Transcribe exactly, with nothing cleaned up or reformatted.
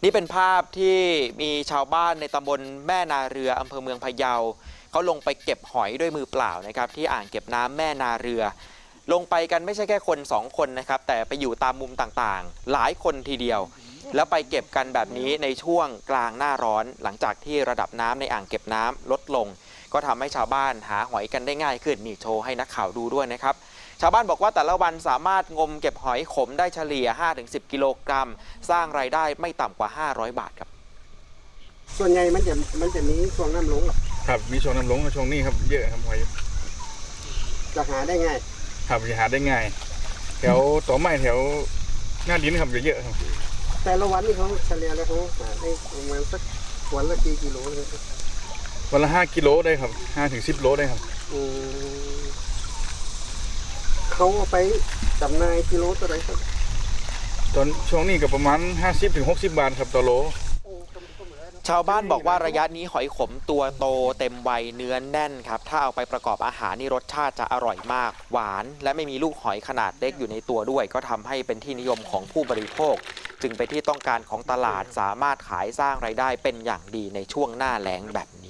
นี่เป็นภาพที่มีชาวบ้านในตำบลแม่นาเรืออำเภอเมืองพะเยาเขาลงไปเก็บหอยด้วยมือเปล่านะครับที่อ่างเก็บน้ำแม่นาเรือลงไปกันไม่ใช่แค่คนสองคนนะครับแต่ไปอยู่ตามมุมต่างๆหลายคนทีเดียวแล้วไปเก็บกันแบบนี้ในช่วงกลางหน้าร้อนหลังจากที่ระดับน้ำในอ่างเก็บน้ำลดลงก็ทำให้ชาวบ้านหาหอยกันได้ง่ายขึ้นนี่โชว์ให้นักข่าวดูด้วยนะครับชาวบ้านบอกว่าแต่ละวันสามารถงมเก็บหอยขมได้เฉลี่ย ห้าถึงสิบ กิโลกรัมสร้างรายได้ไม่ต่ำกว่าห้าร้อยบาทครับส่วนใหญ่มันจะมันจะมีช่วงน้ำลงครับมีช่วงน้ำลงกับช่วงนี้ครับเยอะครับหอยจะหาได้ง่ายครับจะหาได้ง่ายแถวต่อไม้แถวหน้าดินครับเยอะครับแต่ละวันนี่เขาเฉลี่ยแล้วเขาหาได้ประมาณสักวันละกี่กิโลเลยวันละห้ากิโลได้ครับห้าถึงสิบโลได้ครับเขาเอาไปจำหน่ายกิโลเท่าไหร่ครับตอนช่วงนี้ก็ประมาณห้าสิบถึงหกสิบบาทครับต่อโลชาวบ้านบอกว่าระยะนี้หอยขมตัวโตเต็มวัยเนื้อแน่นครับถ้าเอาไปประกอบอาหารนี่รสชาติจะอร่อยมากหวานและไม่มีลูกหอยขนาดเล็กอยู่ในตัวด้วยก็ทำให้เป็นที่นิยมของผู้บริโภคจึงเป็นที่ต้องการของตลาดสามารถขายสร้างรายได้เป็นอย่างดีในช่วงหน้าแล้งแบบนี้